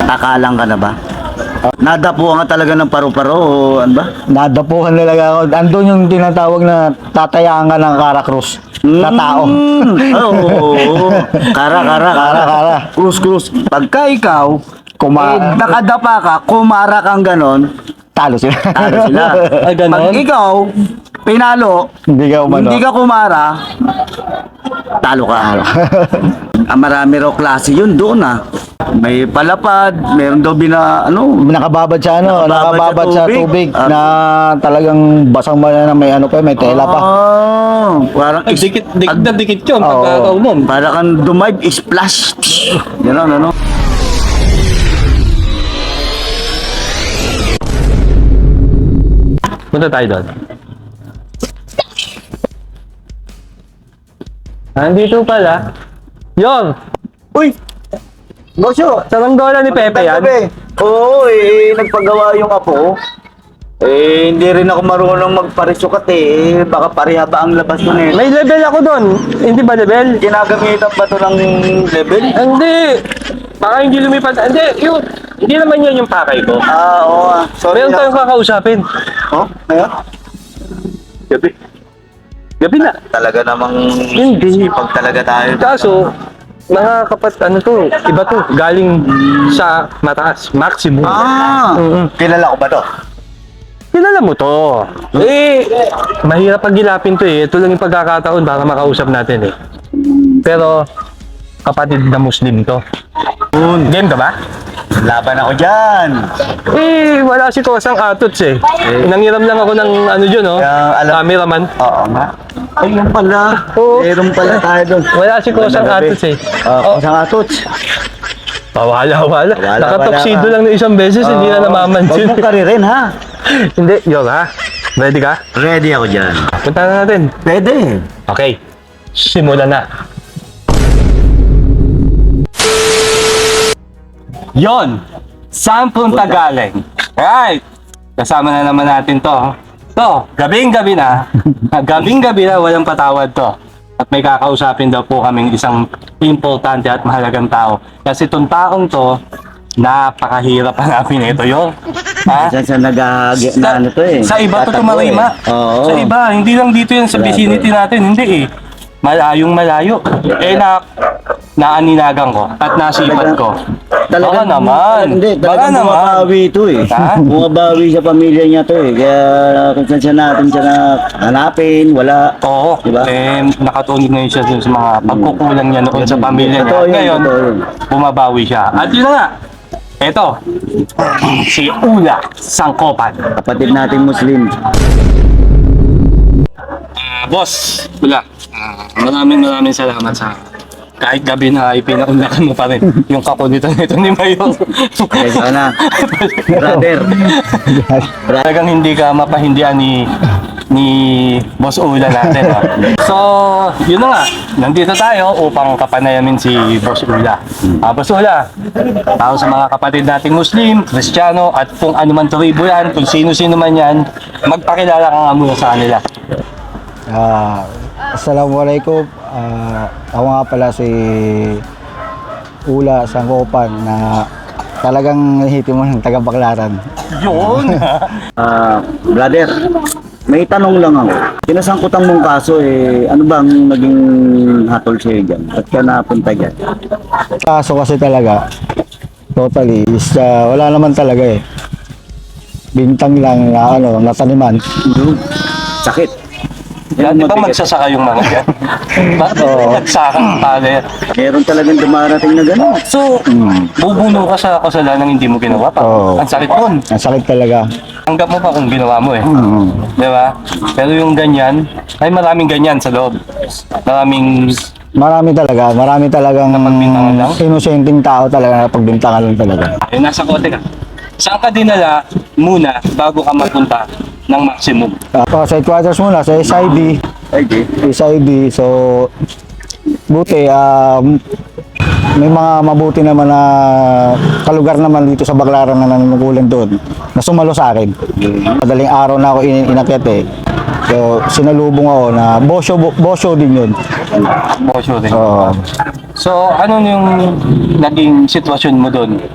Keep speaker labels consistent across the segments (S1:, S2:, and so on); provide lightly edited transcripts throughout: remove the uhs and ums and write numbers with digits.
S1: Nakalang ka na ba? Nadapuan ka talaga ng paru-paro o ano ba?
S2: Nadapuhan talaga ako. Andun yung tinatawag na tatayaan ka ng Kara-Cruz na tao.
S1: Oo. Kara. Krus. Pagka ikaw, nakadapa ka, kumara kang ganon,
S2: Talo sila.
S1: talo sila. Pag ikaw, pinalo,
S2: Hindi ka umano.
S1: hindi ka kumara, talo ka. Marami raw klase yun doon May palapad, meron daw
S2: Nakababad sa nakababad sa tubig na talagang basang na may ano pa, may tela pa.
S1: Parang
S3: Dikit yun pagkakaunom.
S1: para kang dumive, splash. Gano'n, ano?
S3: Punta tayo doon. Nandito pala. Yon!
S1: Uy! Bosyo!
S3: Saranggola ni Pepe yan.
S1: Oo, nagpagawa yung apo. Hindi rin ako marunong magparisukat Baka pareha ba ang labas ko nito?
S3: May level ako doon. Hindi ba level?
S1: Ginagamitan ba ito ng level?
S3: Hindi. Baka hindi lumipat. Hindi naman yan yung pakay ko.
S1: Oo. Sorry.
S3: Meron tayong kakausapin.
S1: Oh, ngayon?
S3: Gabi. Gabi na.
S1: Talaga namang
S3: Hindi.
S1: sipag talaga tayo.
S3: Kaso, mga iba to, galing sa mataas, maximum.
S1: Kilala ko ba to?
S3: Kilala mo to. Mahirap pag-gilapin to Ito lang yung pagkakataon para makausap natin Pero, kapatid na Muslim to. Game ka ba?
S1: Laban ako dyan.
S3: Wala si Kosang Atots Nangiram lang ako ng cameraman.
S1: Oo nga. Ay, yung pala.
S3: Oo.
S1: Meron pala tayo doon.
S3: Wala si Kosang Atots
S1: Kosang Atots.
S3: Wala. Nakatoksido lang ng isang beses, hindi na namamansin.
S1: Huwag mong karirin, ha?
S3: Hindi, Ready ka?
S1: Ready ako dyan.
S3: Punta na natin.
S1: Pwede.
S3: Okay, simulan na. Yon! Saan punta galing? Right! Kasama na naman natin to. Gabing-gabi na. Gabing-gabi na, walang patawad to. At may kakausapin daw po kaming isang importante at mahalagang tao. Kasi itong taong to, napakahirap hanapin ito yun. Ha?
S1: Sa nag-aagya na ano to
S3: Sa iba to
S1: Tatakbo
S3: tumarima.
S1: Oo.
S3: Sa iba, hindi lang dito yan sa vicinity natin, hindi Malayong malayo. Naaninagan ko at nasipat ko. Baka naman.
S1: Hindi,
S3: Baka
S1: talagang
S3: naman.
S1: bumabawi ito
S3: Ha?
S1: Bumabawi sa pamilya niya to Kaya kung saan siya natin siya hanapin, wala.
S3: Oo,
S1: Diba?
S3: nakatuon ngayon siya dun sa mga pagkukulang niya noon sa pamilya niya.
S1: Totoo yun,
S3: Ngayon,
S1: totoo yun.
S3: bumabawi siya. At yun na nga, eto, si Ula Sangkopan.
S1: Kapatid nating Muslim.
S3: Boss, Ula, maraming salamat sa kahit gabi na ipinaunlakan mo pa rin yung kakulitan nito ni Mayor.
S1: Kaya sana. Brother.
S3: Talagang hindi ka mapahindihan ni Boss Ula natin. So, yun na nga. Nandito tayo upang kapanayamin si Boss Ula. Boss Ula, tao sa mga kapatid nating Muslim, Kristiyano, at kung ano man tribo yan, kung sino-sino man yan, magpakilala ka nga muna sa kanila.
S2: Assalamualaikum. Ako nga pala si Ula Sangkopan na talagang hiti mo ng taga-Baclaran.
S3: Yun!
S1: Brother, may tanong lang ako. Pinasangkutan mong kaso ano bang naging hatol sa'yo dyan? At ka napunta dyan?
S2: Kaso kasi talaga, totally, is wala naman talaga Bintang lang na nataniman.
S1: Sakit.
S3: Di ba magsasaka yung mga yan? Bakit nagsakang pala yan?
S1: Meron talagang dumarating na gano'n.
S3: So, bubuno ka sa kasalanan hindi mo ginawa pa.
S2: Oo.
S3: Ang sakit nun.
S2: Ang sakit talaga.
S3: Tanggap mo pa kung ginawa mo Di ba? Pero yung ganyan, ay maraming ganyan sa loob.
S2: Marami talagang
S3: Napagbintangan lang?
S2: inosenteng tao talaga na pagbintangan lang talaga.
S3: Ay, nasa kote ka. Saan ka dinala muna bago ka mapunta ng maximum?
S2: Sa headquarters muna, sa SID. SID, so buti, may mga mabuti naman na kalugar naman dito sa Baclaran na nanunungkulan doon na sumalo sa akin. Madaling araw na ako inakyat So, sinalubong ako na bosyo din yun.
S3: Bosyo din.
S2: Oo.
S3: So, ano yung naging sitwasyon mo doon?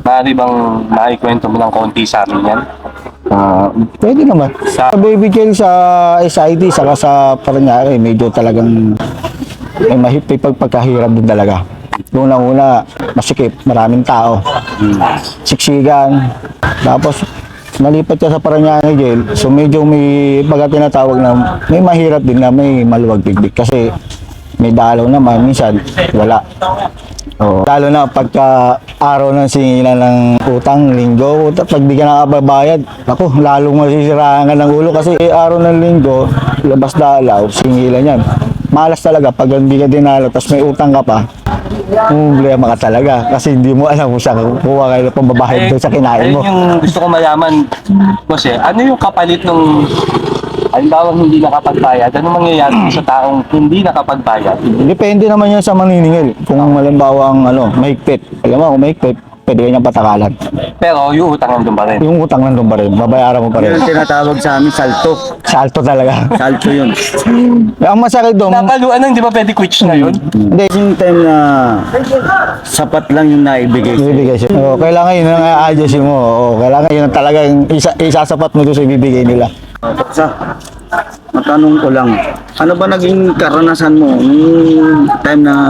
S3: Maaari bang maikwento mo ng konti sa amin yan?
S2: Pwede naman. Sa baby jail sa SID, saka sa Parañaque, medyo talagang may pagkahirap din talaga. Unang-una, masikip, maraming tao. Siksikan. Tapos, nalipat ka sa Parañaque jail, so medyo may pagka tinatawag na may mahirap din na may maluwag bigбig kasi may dalaw naman, minsan wala. Oo. Lalo na pagka araw ng singilan ng utang, linggo, pag di ka nakababayad, ako, lalong masisiraan ka ng ulo kasi araw ng linggo, labas dalaw, singilan yan. Malas talaga pag hindi ka dinalaw, tapos may utang ka pa, problema ka talaga kasi hindi mo alam kung saan kukuha kayo ng pambabayad doon sa kinain mo.
S3: Yung gusto ko malaman, boss ano yung kapalit nung halimbawa hindi nakapagbayad? Ano mangyayari sa taong hindi nakapagbayad?
S2: Depende naman yan sa maniningil. Kung halimbawa ang mahigpit, alam mo kung mahigpit, pwede ka niyang patakalan.
S3: Pero yung utang nandun pa rin.
S2: Yung utang nandun pa rin, babayaran mo pa rin.
S1: Yung tinatawag sa amin, salto.
S2: Salto talaga.
S1: Salto yun.
S2: Ang masakit doon,
S3: Nakaluan na, hindi ba pwede quits na yun?
S2: hindi,
S1: Yung time na sapat lang yung naibigay sa'yo.
S2: ibibigay siya. Oo, kailangan yun ang i-adjustin mo. Oo, kailangan yun ang talagang isasapat mo doon sa ibibigay nila.
S1: Sa matanong ko lang, ano ba naging karanasan mo yung time na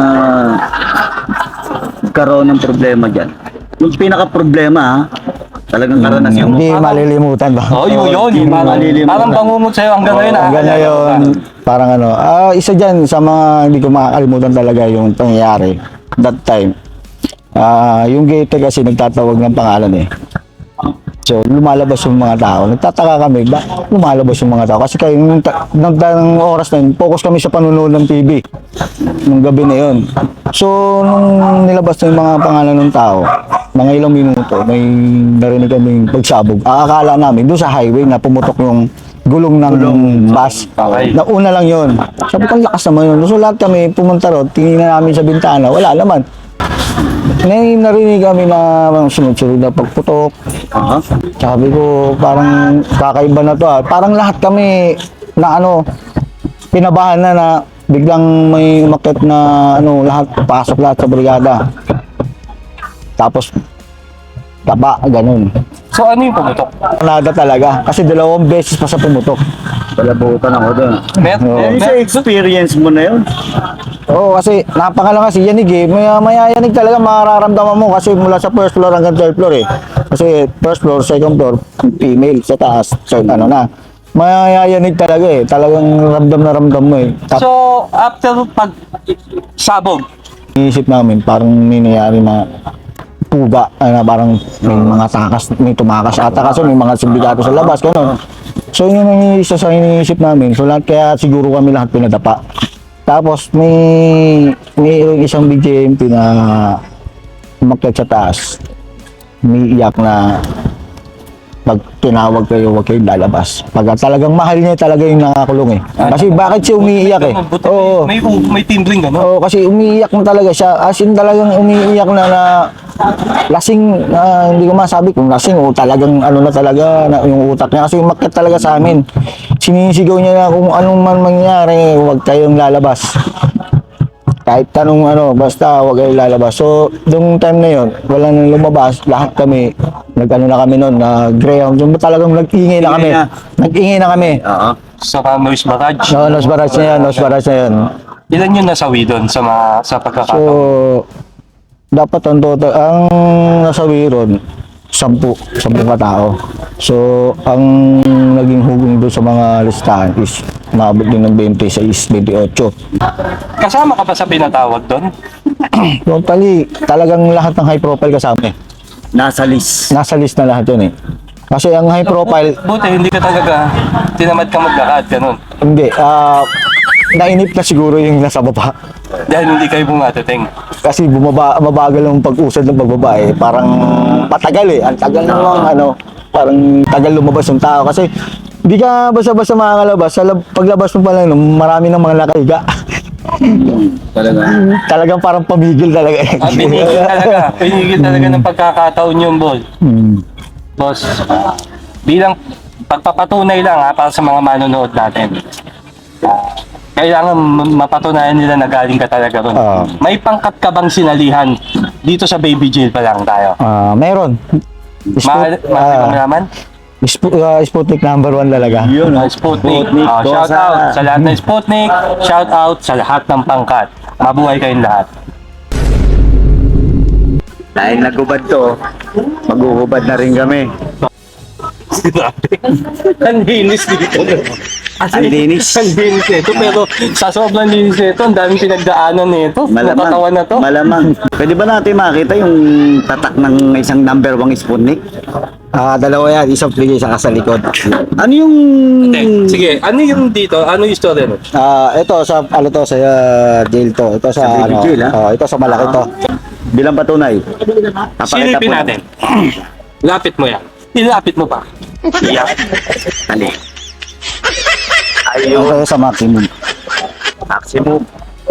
S1: karoon ng problema dyan? Yung pinaka-problema ha, talagang karanasan mo.
S2: Hindi malilimutan ba?
S3: Oo, yun.
S1: Hindi
S3: Parang,
S1: malilimutan.
S3: parang bangungot sa'yo hanggang ngayon.
S2: Hanggang ngayon, parang isa dyan sa mga hindi ko makakalimutan talaga yung pangyayari that time. Yung gate kasi nagtatawag ng pangalan eh. So, lumalabas yung mga tao. Nagtataka kami, lumalabas yung mga tao? Kasi kayo, nung oras na yun, focus kami sa panunood ng TV. Nung gabi na yun. So, nung nilabas na yung mga pangalan ng tao, mga ilang minuto, may narinig kaming pagsabog. Akala namin, doon sa highway na pumutok yung gulong ng bus.
S3: Okay.
S2: Nauna lang yun. Sabi ko, ang lakas naman yun. So, lahat kami pumunta ron, tingnan namin sa bintana, wala naman. Narinig kami na sunod-sunod na pagputok. Sabi ko, parang kakaiba na to Parang lahat kami na pinabahan na biglang may umakyat na lahat, pasok lahat sa brigada. Tapos, taba, ganun.
S3: So ano yung pumutok?
S2: Nada talaga, kasi 2 beses pa sa pumutok.
S1: Palabutan ako doon. Yung sa experience mo na yun.
S2: Oo, kasi napakalakas yanig eh. Mayayanig talaga mararamdaman mo kasi mula sa first floor hanggang third floor eh. Kasi first floor, second floor, female sa taas. So, mayayanig talaga eh. Talagang ramdam na ramdam mo eh.
S3: So after pag sabog,
S2: Iisip namin parang may nangyari na puga, parang may mga takas, may tumakas ata kasi may mga sindikato sa labas, gano'n. So yun ang isa sa iniisip namin. So lahat kaya siguro kami lahat pinadapa. Tapos may isang BJMP na umakyat sa taas. Umiiyak na pag tinawag kayo, huwag kayong lalabas. Pag talagang mahal niya talaga yung nakakulong eh. Kasi bakit siya umiiyak eh? Oo.
S3: may timbling gano'n.
S2: Oo, kasi umiiyak na talaga siya. As in talagang umiiyak na lasing, hindi ko masabi kung lasing o talagang na talaga na yung utak niya. Kasi umakyat talaga sa amin. Sinisigaw niya na kung anong man mangyari, huwag kayong lalabas. Kahit tanong basta huwag kayong lalabas. So, nung time na yun, wala nang lumabas. Lahat kami, na kami noon, Greyhound. Yung talagang nag-ingay na kami. Nag-ingay na kami.
S1: Oo.
S3: Sa noise barrage.
S2: No, nos barrage na yan, nos barrage na yan.
S3: Ilan yung nasawi doon sa
S2: So,
S3: pagkakataon?
S2: dapat ang total, ang nasawi ron, 10 katao. So, ang naging hugong doon sa mga listahan is maabot din ng 26, 28.
S3: Kasama ka pa sa pinatawag doon?
S2: Totally, talagang lahat ng high profile kasama eh.
S1: Nasa list.
S2: Nasa list na lahat yun eh. Kasi ang high profile,
S3: Buti hindi ka talaga tinamad ka maglakad, ganun.
S2: hindi, nainip na siguro yung nasa baba.
S3: Dahil hindi kayo bumateteng.
S2: Kasi mabagal ang pag-usad ng pagbaba eh. Parang matagal eh. Ang tagal naman parang tagal lumabas yung tao. Kasi hindi ka basta-basta makakalabas. Paglabas mo pa lang, marami ng mga nakahiga.
S1: Talaga.
S2: Talagang parang pamigil talaga eh.
S3: Pinigil talaga ng pagkakataon yung ball. Boss, bilang pagpapatunay lang para sa mga manonood natin. Kailangan mapatunayan nila na galing ka talaga ron. May pangkat ka bang sinalihan dito sa baby jail pa lang tayo.
S2: Meron.
S3: Maaari ko malaman?
S2: Sputnik number 1 talaga.
S1: Yun,
S3: Sputnik.
S1: Sputnik,
S3: Shout
S1: Dosa.
S3: out sa lahat ng Sputnik. Shout out sa lahat ng pangkat. Mabuhay kayong lahat.
S1: Dahil nagubad to, magugubad na rin kami.
S3: Ang linis dito.
S1: Ang linis.
S3: Ang linis nito. Pero sa sobrang linis nito, ang daming pinagdaanan nito. Nakatawan na to.
S1: Malamang. Pwede ba natin makita yung tatak ng isang number 1 Sputnik?
S2: Dalawa yan, isang bigay sa likod.
S1: Ano yung...
S3: Sige, ano yung dito? Ano yung story mo?
S2: Ito sa jail to. Ito sa
S1: baby jail,
S2: ito sa malaki to.
S1: Bilang patunay.
S3: Silipin natin. Lapit mo yan. Ilapit mo pa. Yan.
S1: Ali.
S2: Ito sa maximum.
S1: Maximum.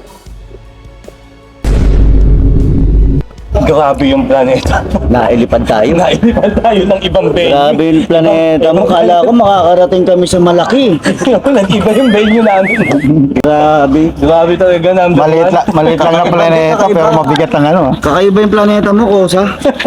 S3: Grabe yung planeta.
S1: Nailipad tayo.
S3: Nailipan tayo ng ibang venue.
S1: Grabe yung planeta mo. Kala ko makakarating kami sa malaki.
S3: Nag-iba yung venue namin.
S1: Grabe.
S3: Grabe talaga number
S2: Maliit lang na planeta pero mabigat ang ano.
S1: Kakaiba yung planeta mo, Kosa.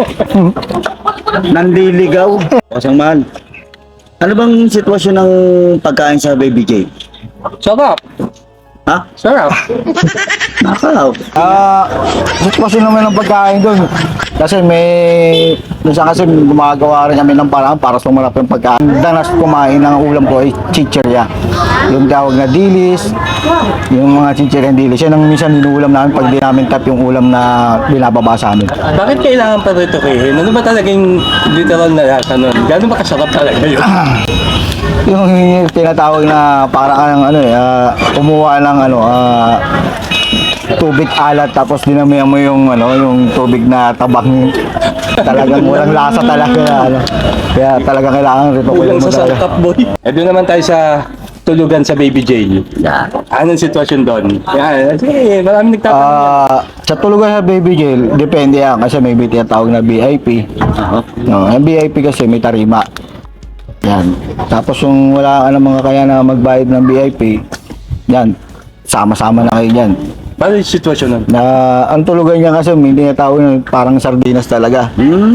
S1: Nandiligaw. Kosang mahal. Ano bang sitwasyon ng pagkain sa Baby J?
S3: Sarap.
S1: Ha?
S3: Sarap.
S1: Nakaw.
S2: Sitwasyon naman ng pagkain doon. Kasi minsan kasi gumagawa rin kami ng paraan para sumarap yung pagkain. Danas kumain ng ulam ko ay chichirya. Yung tawag na dilis, yung mga chichirya dilis. Yan ang minsan inuulam namin pag di namin tap yung ulam na binababa sa amin.
S3: Bakit kailangan pa rito kayo? Ano ba talagang literal na lasa nun? Gano'n ba kasarap talaga yun?
S2: Yung tinatawag na parang kumuha ng tubig alat tapos dinamihan mo yung yung tubig na tabang talagang walang lasa talaga kaya talaga kailangan rito
S3: Kulang
S2: mo
S3: sa
S2: talaga.
S3: sangkap boy. Doon naman tayo sa tulugan sa baby jail.
S1: Yeah.
S3: Anong sitwasyon doon? Yan. Kasi maraming nagtatanong.
S2: Sa tulugan sa baby jail depende yan kasi may tinatawag na VIP. Ang VIP kasi may tarima. Yan. Tapos yung wala ka ng mga kaya na magbayad ng VIP, yan, sama-sama na kayo dyan.
S3: Paano yung sitwasyon nun?
S2: Na ang tulugan niya kasi hindi na tao parang sardinas talaga.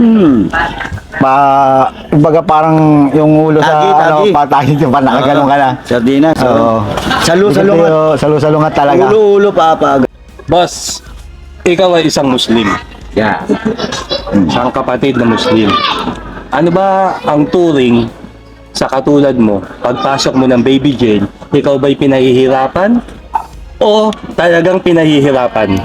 S2: Kumbaga parang yung ulo
S1: Tagi.
S2: patagin yung panakagalong ka na.
S1: Sardinas.
S2: Oo.
S1: Salu-salungat.
S2: Salu-salungat talaga.
S1: Ulo-ulo papag.
S3: Boss, ikaw ay isang Muslim.
S1: Yeah.
S3: Isang kapatid na Muslim. Ano ba ang turing sa katulad mo, pagpasok mo ng baby jail, ikaw ba'y pinahihirapan o talagang pinahihirapan?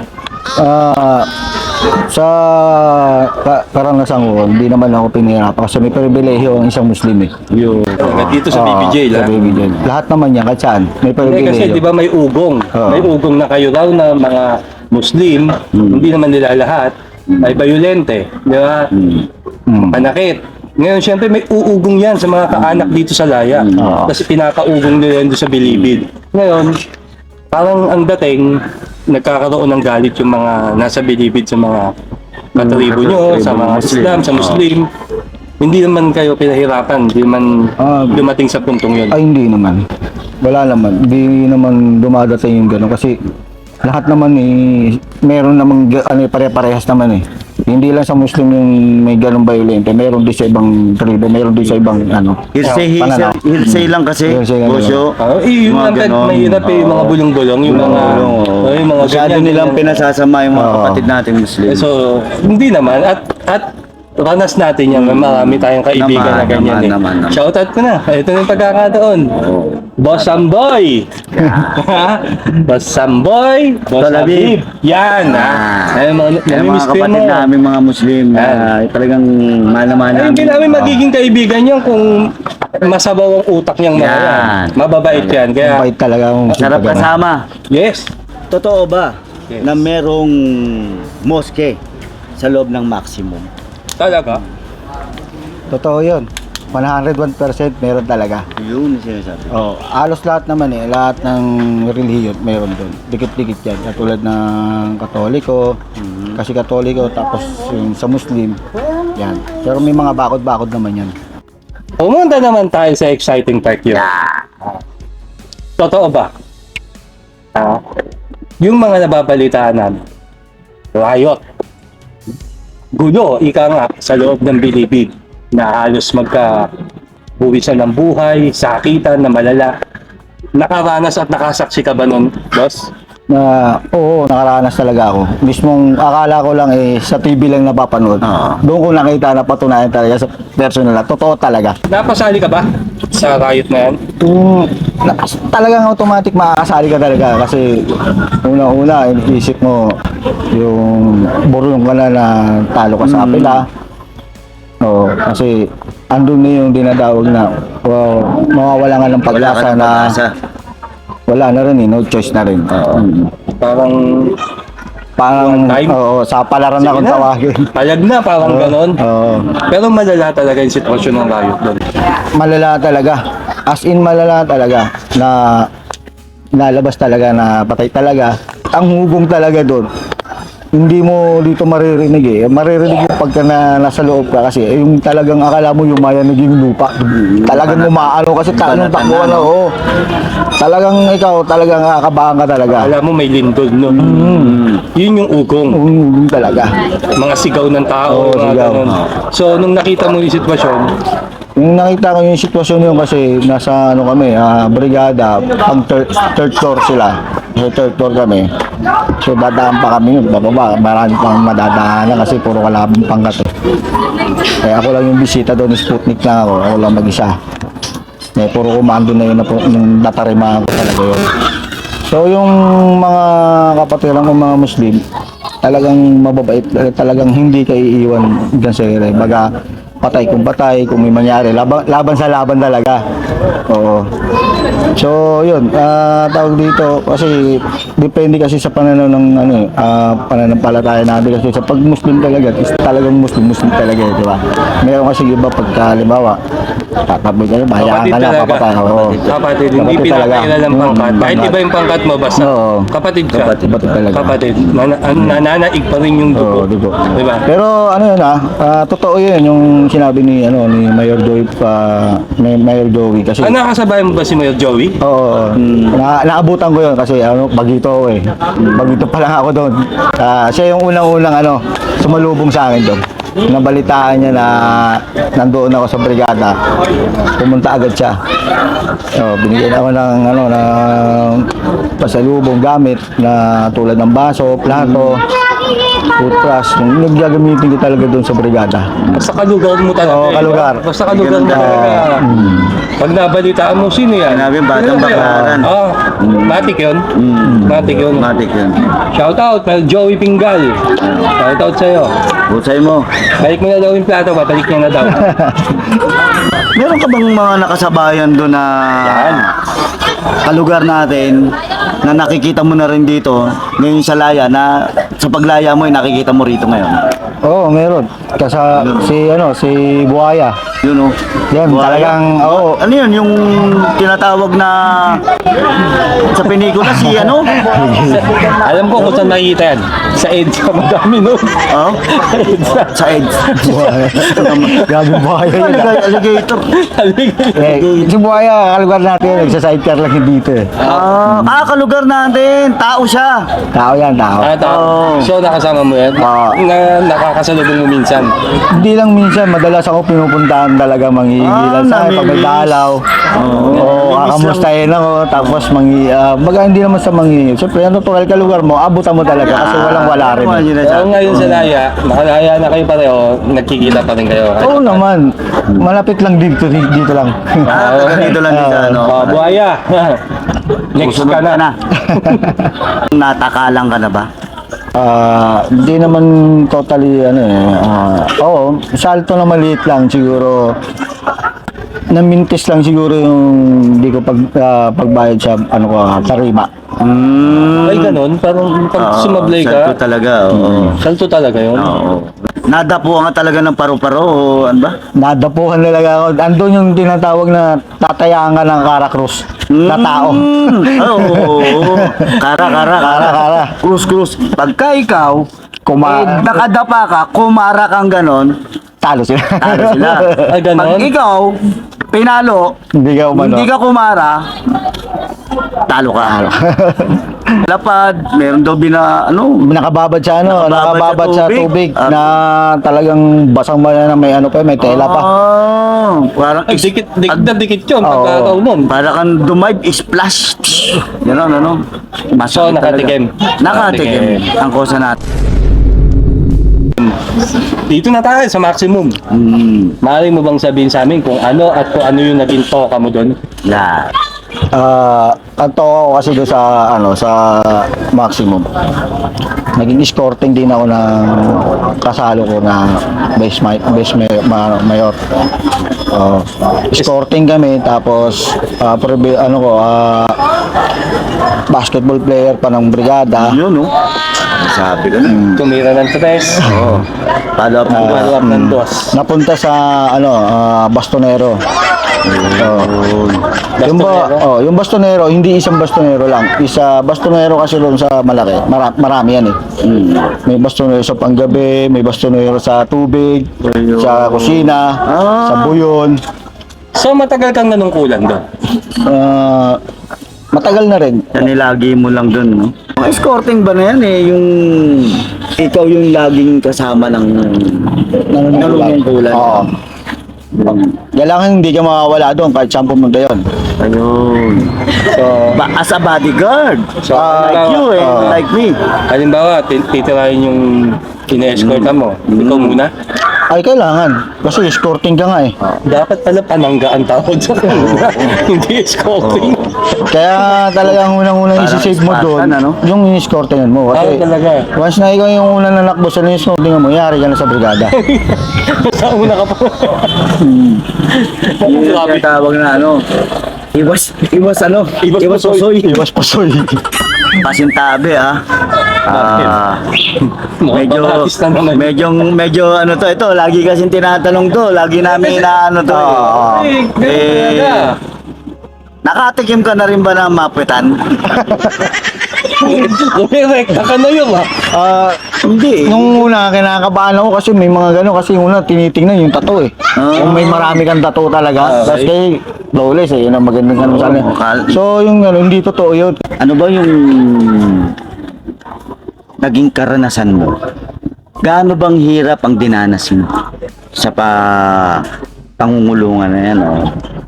S2: Sa karanasan ko, hindi naman ako pinahirapan kasi may pribilehiyo ang isang Muslim eh.
S3: Dito sa baby jail,
S2: Sa baby jail. Lahat naman yan, kahit saan. May
S3: Hindi, kasi
S2: pribilehiyo.
S3: di ba may ugong? May ugong na kayo raw na mga Muslim, hindi naman nila lahat, ay bayolente, di ba? Panakit. Ngayon, syempre may uugong yan sa mga kaanak dito sa Laya. Kasi pinakaugong nila yan doon sa Bilibid. Ngayon, parang ang dating, nagkakaroon ng galit yung mga nasa Bilibid sa mga katribo nyo, sa mga Islam, sa Muslim. Hindi naman kayo pinahirapan, hindi naman dumating sa puntong yun.
S2: Ay, hindi naman. Wala naman. Hindi naman dumadating yung gano'n kasi lahat naman meron namang pare-parehas naman eh. Hindi lang sa Muslim yung may ganong violente, meron din sa ibang tribe, meron din sa ibang
S1: Hearsay lang kasi.
S2: Hearsay lang
S1: Bosyo.
S3: Yung
S1: Mga
S3: mga
S1: ganon.
S3: mahirap yung mga bulong-bulong, yung mga
S1: Masyado
S3: ganyan,
S1: nilang
S3: ganyan.
S1: pinasasama yung mga kapatid nating Muslim.
S3: So, hindi naman. At ranas natin yan. Marami tayong kaibigan na ganyan
S1: naman.
S3: Shoutout ko na. Ito na yung pagkakataon. Boss Samboy! Boss Samboy! Boss
S1: Talabib.
S3: Habib! Yan!
S1: Yung mga kapatid namin mga Muslim na talagang mahal
S3: Ay, hindi namin magiging kaibigan yan kung masabaw ang utak niyang mga yan.
S1: Yan.
S3: Mababait yan. Kaya,
S2: Bait talaga ang
S1: sarap kasama.
S3: yes.
S1: Totoo ba
S3: Yes.
S1: na merong moske sa loob ng maximum?
S3: Talaga.
S2: Totoo yun. 101% meron talaga.
S1: Yun yung sinasabi.
S2: Halos lahat naman lahat ng relihiyon meron doon. Dikit-dikit yan. Katulad ng Katoliko, kasi Katoliko, tapos yung sa Muslim, yan. Pero may mga bakod-bakod naman yan.
S3: Pumunta naman tayo sa exciting part yun. Totoo ba? Yung mga nababalitaan namin, riot, gulo, ika nga, sa loob ng bilibid na halos magka-buwisan ng buhay, sakitan na malala. Nakaranas at nakasaksi ka ba nun, boss?
S2: Na oo, nakaranas talaga ako. Mismong akala ko lang sa TV lang napapanood. Doon ko nakita na patunayan talaga sa personal na totoo talaga.
S3: Napasali ka ba sa riot na yan?
S2: Talagang automatic makakasali ka talaga kasi una-una isip mo yung burong ka na talo ka sa apela. Oo, kasi andun na yung dinadawag na mawawala nga ng pag-asa na wala na rin no choice na rin.
S3: Parang
S2: Parang
S3: One time?
S2: sa palaran na kung
S3: Sige na.
S2: tawagin.
S3: palag na, parang ganon.
S2: Oo.
S3: Pero malala talaga yung sitwasyon ng riot doon.
S2: Malala talaga. As in malala talaga na nalabas talaga na patay talaga. Ang hugong talaga doon. Hindi mo dito maririnig eh. Maririnig yung pagka nasa loob ka kasi yung talagang akala mo yung maya naging lupa. Talagang umaano kasi talagang takbo na. Oo. Talagang ikaw talagang kakabahan ka talaga.
S3: Alam mo may lindol, no? Yun yung ugong.
S2: Hugong talaga.
S3: Mga sigaw ng tao,
S2: Oo,
S3: mga
S2: sigaw.
S3: ganon. So, nung nakita mo yung sitwasyon,
S2: Yung nakita ko yung sitwasyon yun kasi nasa ano kami, brigada, pang third floor sila. So third floor kami. So dadaan pa kami yun, bababa, marami pang madadaanan kasi puro kalabang pangkat eh. Kaya ako lang yung bisita doon, Sputnik lang ako lang mag-isa. Eh, puro kumando na yun na yung natarimahan ko talaga yun. So yung mga kapatiran ko mga Muslim, talagang mababait, talagang hindi ka iiwan dyan sa ere. Baga, patay kung may mangyari. Laban sa laban talaga. Oo. So, yun. Tawag dito, kasi depende kasi sa pananaw ng pananampalataya natin. Kasi sa pag-Muslim talaga, is talagang Muslim talaga, di ba? Meron kasi iba pagka, halimbawa, tataboy ka na, bahayaan ka na, papatay. Oo.
S3: kapatid, hindi
S2: Kapatid talaga.
S3: pinakailan ng pangkat. Kahit iba yung pangkat mo, basta
S2: Oo.
S3: kapatid ka.
S2: Kapatid talaga.
S3: Kapatid. Nananaig pa rin yung
S2: Oo,
S3: dugo.
S2: diba?
S3: Diba?
S2: Pero ano yun totoo yun yung sinabi ni Mayor Joey Mayor Joey kasi
S3: Nakasabay mo ba si Mayor Joey?
S2: oo, naabutan ko yun kasi bagito ako eh. Bagito pa lang ako doon. Siya yung unang-unang sumalubong sa akin doon. Nabalitaan niya na nandoon ako sa brigada. Pumunta agad siya. Binigyan ako ng pasalubong gamit na tulad ng baso, plato, toothbrush. Yung gagamitin ko talaga doon sa brigada.
S3: Basta kalugar mo talaga.
S2: Oo, kalugar.
S3: Basta kalugar mo talaga. Pag nabalitaan mo, sino yan?
S1: Sinabi, Batang Baclaran.
S3: Oo. Matik yun. Matik yun.
S1: Matik yun.
S3: Shout out, Mayor Joey Pingal. Shout out sa'yo.
S1: Busay mo.
S3: Balik mo na daw yung plato, babalik niya na daw.
S1: Meron ka bang mga nakasabayan doon na kalugar natin na nakikita mo na rin dito ngayon sa laya na sa paglaya mo ay nakikita mo rito ngayon?
S2: Oo, meron. Kasi si Buhaya.
S1: Yun o.
S2: Yan, talagang, oo.
S1: Ano yun? Yung tinatawag na sa pelikula si
S3: Alam ko kung saan nakikita yan. Sa EDSA, madami no?
S1: Oh? Sa EDS.
S2: Buhaya. Grabe Buhaya yun.
S1: Alligator.
S2: Si Buhaya, kalugar natin, nagsa-sidecar lang yun dito eh.
S1: Kalugar natin. Tao siya.
S2: Tao yan, tao.
S1: Oo.
S3: So, nakasama mo yan?
S2: Oo.
S3: Nakakasalubong mo minsan?
S2: Hindi lang minsan, madalas ako pinupuntahan talaga manghihilan sa akin pag may
S1: namimiss.
S2: dalaw. Oo, kakamustahin ako, tapos baga hindi naman sa manghihil. Siyempre, natural ka lugar mo, abutan mo talaga kasi walang wala rin.
S3: So, ngayon sa Laya, nakalaya na kayo pareho, nagkikita pa rin kayo.
S2: Oo naman, malapit lang dito lang.
S1: Taga dito lang din sa
S3: Buhaya. Next
S1: Susunod
S3: ka na.
S1: Natakalang ka na ba?
S2: Hindi naman totally oo, salto na maliit lang siguro. Namintis lang siguro yung hindi ko pagbayad sa tarima.
S3: Ay, ganun. Parang pag sumablay
S1: Salto
S3: ka,
S1: talaga, oo.
S3: salto talaga yun.
S1: Oo. Nadapuan ka talaga ng paru-paro o ano ba?
S2: Nadapuhan talaga ako. Andun yung tinatawag na tatayaan ka ng karakrus na tao.
S1: Oo. Kara. Krus. Pagka ikaw, nakadapa ka, kumara kang ganon,
S2: Talo sila.
S1: talo sila.
S3: Ay, ganon?
S1: Pag ikaw, pinalo,
S2: Hindi ka umano.
S1: hindi ka kumara, talo ka. lapad, meron daw
S2: Nakababad sa ano, nakababad sa tubig
S1: Ah.
S2: na talagang basang na may ano pa, may tela pa.
S1: Parang
S3: Ay, dikit na dikit yun pagkakaw nun.
S1: para kang dumive, splash. Gano'n, ano?
S3: So, nakatikim.
S1: Nakatikim. Ang kosa natin.
S3: Dito na tayo sa maximum. Maaari mo bang sabihin sa amin kung ano at kung ano yung naging toka mo doon?
S1: Yeah.
S2: Ang tawa ko kasi doon sa ano sa maximum. Naging escorting din ako ng kasalo ko na mayor. Escorting kami tapos basketball player pa ng brigada.
S1: Yun, no? Sabi ko na.
S3: Tumira ng tres.
S1: Oo. Follow up ng
S3: Follow up ng dos.
S2: Napunta sa bastonero. Yung bastonero, hindi isang bastonero lang. Bastonero kasi doon sa malaki. Marami yan eh. May bastonero sa panggabi, may bastonero sa tubig, sa kusina, sa buyon.
S3: So, matagal kang nanungkulan doon?
S2: Matagal na rin.
S1: Nilagi mo lang dun, no? Ang escorting ba na yan eh, yung ikaw yung laging kasama ng nanunungkulan.
S2: Oo. Kailangan hindi ka makawala doon kahit saan pumunta yun.
S1: Ayun.
S3: So,
S1: As a bodyguard.
S3: So,
S1: Like you eh, like me.
S3: halimbawa, titirahin yung ina-escortan mo. Ikaw muna.
S2: Ay, kailangan. Kasi escorting ka nga eh.
S3: Dapat pala panangga ang tawag sa kanila. Hindi escorting.
S2: Kaya talagang unang-unang
S1: Parang
S2: isi-save mo doon,
S1: Spartan, ano?
S2: yung in-escortingan mo. Kasi
S3: Talaga.
S2: once na ikaw yung unang nanakbo sa in-escortingan mo, yari ka na sa brigada.
S3: Sa una ka pa.
S1: Yung
S3: Grabe.
S1: tawag na ano. Iwas pusoy.
S2: Iwas pasoy.
S1: Pasintabi ah.
S3: Mukhang
S1: Medyo
S3: pang-artist na naman.
S1: medyo ano to ito, lagi kasing tinatanong to, lagi namin na ano to. Nakatikim ka na rin ba ng mapitan?
S3: Kumirekta ka na yun
S1: Hindi.
S2: Nung una, kinakabahan ako kasi may mga gano'n. Kasi una, tinitingnan yung tattoo eh. Yung may marami kang tattoo talaga. Tapos kay flawless eh, yun ang magandang ano sana. So yung ano, hindi totoo yun.
S1: Ano ba yung naging karanasan mo? Gaano bang hirap ang dinanas mo sa pangungulungan na yan? Oh?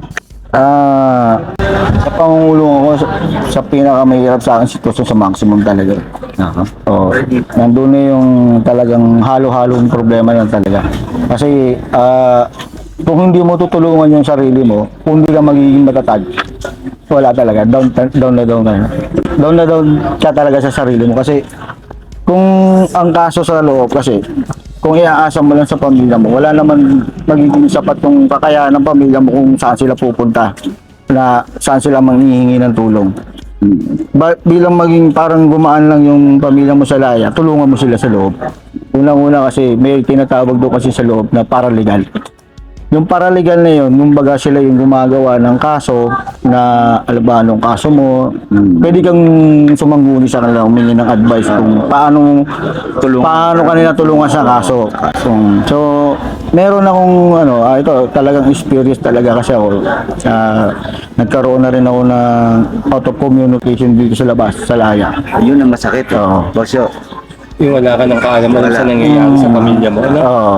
S2: Sa pangungulong ako, sa pinakamahirap sa akin sitwasyon sa maximum talaga. Oh, nandun na yung talagang halo-halong problema yan talaga. Kasi kung hindi mo tutulungan yung sarili mo, kung hindi ka magiging matatag, wala talaga. Down na down ka. Down na down ka talaga sa sarili mo. Kasi kung ang kaso sa loob kasi, kung iaasa mo lang sa pamilya mo, wala naman magiging sapat yung kakayahan ng pamilya mo kung saan sila pupunta, na saan sila manghihingi ng tulong. Bilang maging parang gumaan lang yung pamilya mo sa laya, tulungan mo sila sa loob. Unang-una kasi may tinatawag doon kasi sa loob na paralegal. Yung paralegal na yun, yung baga sila yung gumagawa ng kaso na alam ba anong kaso mo, pwede kang sumangguni sa kanila, humingi ng advice kung paano kanila tulungan sa kaso. So, meron akong ito talagang experience talaga kasi ako. Nagkaroon na rin ako ng out of communication dito sa labas, sa laya.
S1: Yun ang masakit.
S2: Oo.
S1: Bosyo.
S3: Yung wala ka ng kaalam sa nangyayari sa pamilya mo. Ano?
S2: Oo.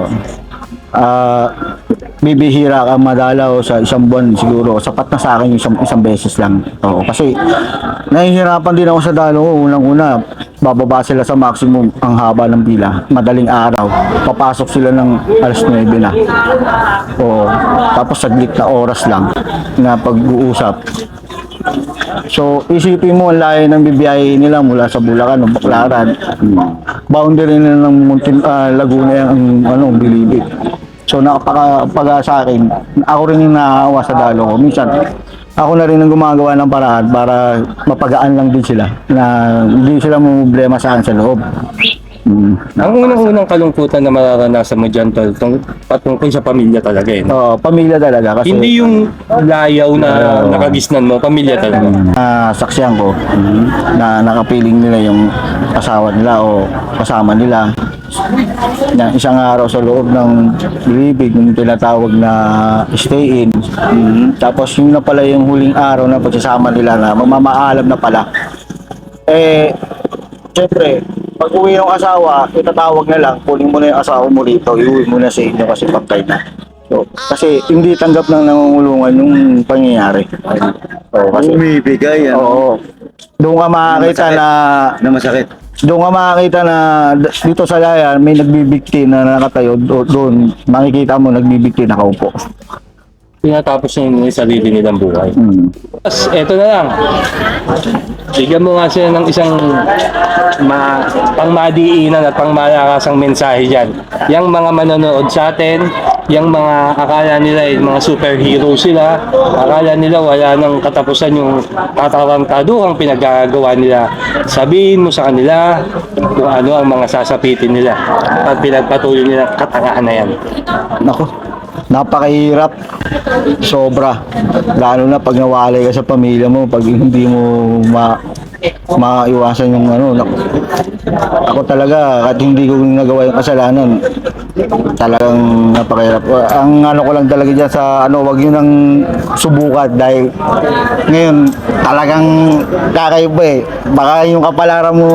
S2: Bibihira ka madalaw sa isang buwan siguro. Sapat na sa akin yung isang beses lang. Oo, kasi nahihirapan din ako sa dalo ko. Unang-una, bababa sila sa maximum ang haba ng pila. Madaling araw. Papasok sila ng alas 9 na. Oo. Tapos saglit na oras lang na pag-uusap. So, isipin mo ang layo ng bibiyahe nila mula sa Bulacan o Baclaran. Boundary na ng Laguna ang Bilibid. So, nakapag sa akin, ako rin yung naaawa sa dalo ko. Minsan, ako na rin ang gumagawa ng paraan para mapagaan lang din sila na hindi sila problema sa akin sa loob.
S3: Ang unang-unang kalungkutan na mararanasan mo dyan, tol, patungkol sa pamilya talaga eh.
S2: Oo, pamilya talaga. Kasi,
S3: Hindi yung layaw na nakagisnan mo, pamilya talaga.
S2: saksiyan ko na nakapiling nila yung asawa nila o kasama nila na isang araw sa loob ng Bilibid, yung tinatawag na stay in. Tapos yun na pala yung huling araw na pagsasama nila na mamamaalam na pala. Eh, syempre, pag uwi ng asawa, itatawag na lang, kunin mo na yung asawa mo rito, iuwi mo na sa inyo kasi pagkay na. So, kasi hindi tanggap ng nangungulungan yung pangyayari. So, kasi,
S1: Umibigay, ano?
S2: oo. Doon ka makakita
S1: Masakit.
S2: na
S1: Na masakit.
S2: doon ka makakita na dito sa Layan may nagbibigti na nakatayo doon makikita mo nagbibigti nakaupo.
S3: Tinatapos niya yung sarili nilang buhay.
S2: Mm.
S3: Tapos, eto na lang. Bigyan mo nga sila ng isang pangmadiinan at pangmalakasang mensahe dyan. Yang mga manonood sa atin, yung mga akala nila yung mga superhero sila, akala nila wala nang katapusan yung katarantaduhang pinagagawa nila. Sabihin mo sa kanila kung ano ang mga sasapitin nila at pinagpatuloy nilang katangahan na yan.
S2: Nako, napakahirap. Sobra. Lalo na pag nawalay ka sa pamilya mo, pag hindi mo maiwasan yung ano. Nako. Ako talaga, kahit hindi ko nagawa yung kasalanan, talagang napakahirap. Ang ano ko lang talaga dyan sa ano, wag yun nang subukan dahil ngayon talagang kakaiba eh. Baka yung kapalaran mo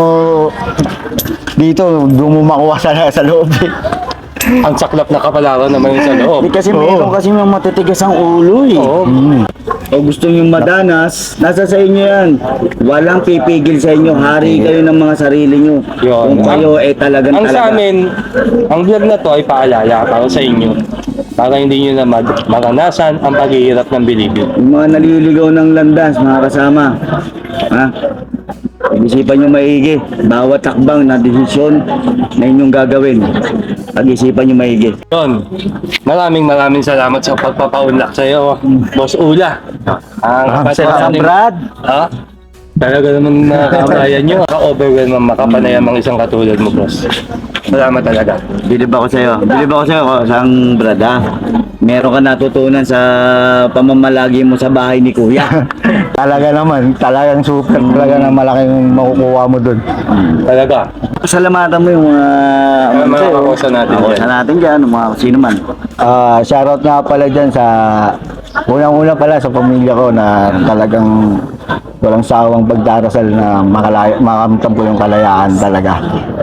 S2: dito, doon mo makuha sa loob eh.
S3: Ang saklap na kapalaran naman yung sa loob.
S1: Kasi meron kasi mga matitigas ang ulo eh.
S3: Oo.
S1: O gusto nyo madanas, nasa sa inyo yan. Walang pipigil sa inyo. Hari kayo ng mga sarili nyo.
S3: Yun.
S1: Kung kayo eh talagang
S3: Ang sa
S1: talaga.
S3: amin, ang vlog na to ay paalala para sa inyo. Para hindi nyo na maranasan ang paghihirap ng bilibid.
S1: Yung mga naliligaw ng landas, mga kasama. Ha? Pag-isipan nyo maigi. Bawat takbang na desisyon na inyong gagawin. Pag-isipan nyo maigi.
S3: Yun. Maraming salamat sa pagpapaunlak sa iyo, Boss Ula. Ang
S2: Salamat, Brad.
S3: Ha? Talaga naman nakakabayan nyo. Ka-overwhelm ang makapanayam ang isang katulad mo, boss. Salamat talaga.
S1: Bilib ako sa'yo. Bilib ako sa'yo, sang brad ha. Meron ka natutunan sa pamamalagi mo sa bahay ni Kuya.
S2: Talaga naman, talagang super, talaga na malaking makukuha mo doon.
S3: Talaga.
S1: Salamatan mo yung
S3: Mga kakosa natin dyan.
S1: kakosa natin dyan, mga sino man.
S2: Shoutout nga pala dyan sa unang-una pala sa pamilya ko na talagang walang sawang pagdarasal na makamtan ko yung kalayaan talaga.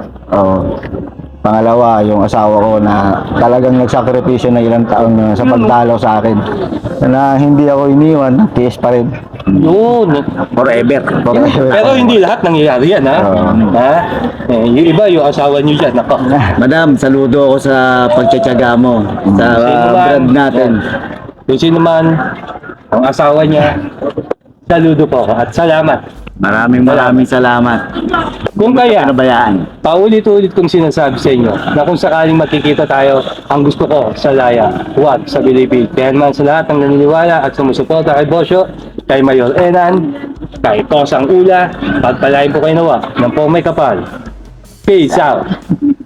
S2: Pangalawa, yung asawa ko na talagang nagsakripisyo na ilang taon na sa pagdalaw sa akin. Na hindi ako iniwan, tiis pa rin.
S3: Yun.
S1: Forever.
S3: Pero hindi lahat nangyayari yan, ha? Ha? Yung iba, yung asawa nyo dyan. Nako.
S1: Madam, saludo ako sa pagtsatsaga mo sa brad natin.
S3: Kung sino man, ang asawa niya, saludo po ako at salamat.
S1: Maraming salamat.
S3: Kung kaya,
S1: Pinabayaan.
S3: paulit-ulit kong sinasabi sa inyo na kung sakaling makikita tayo, ang gusto ko sa Laya, huwag sa Bilibid. Kaya naman sa lahat ng naniniwala at sumusuporta kay Bosyo, kay Mayor Enan, kay Kosang Ula, pagpalain po kayo nawa ng po may kapal. Peace out!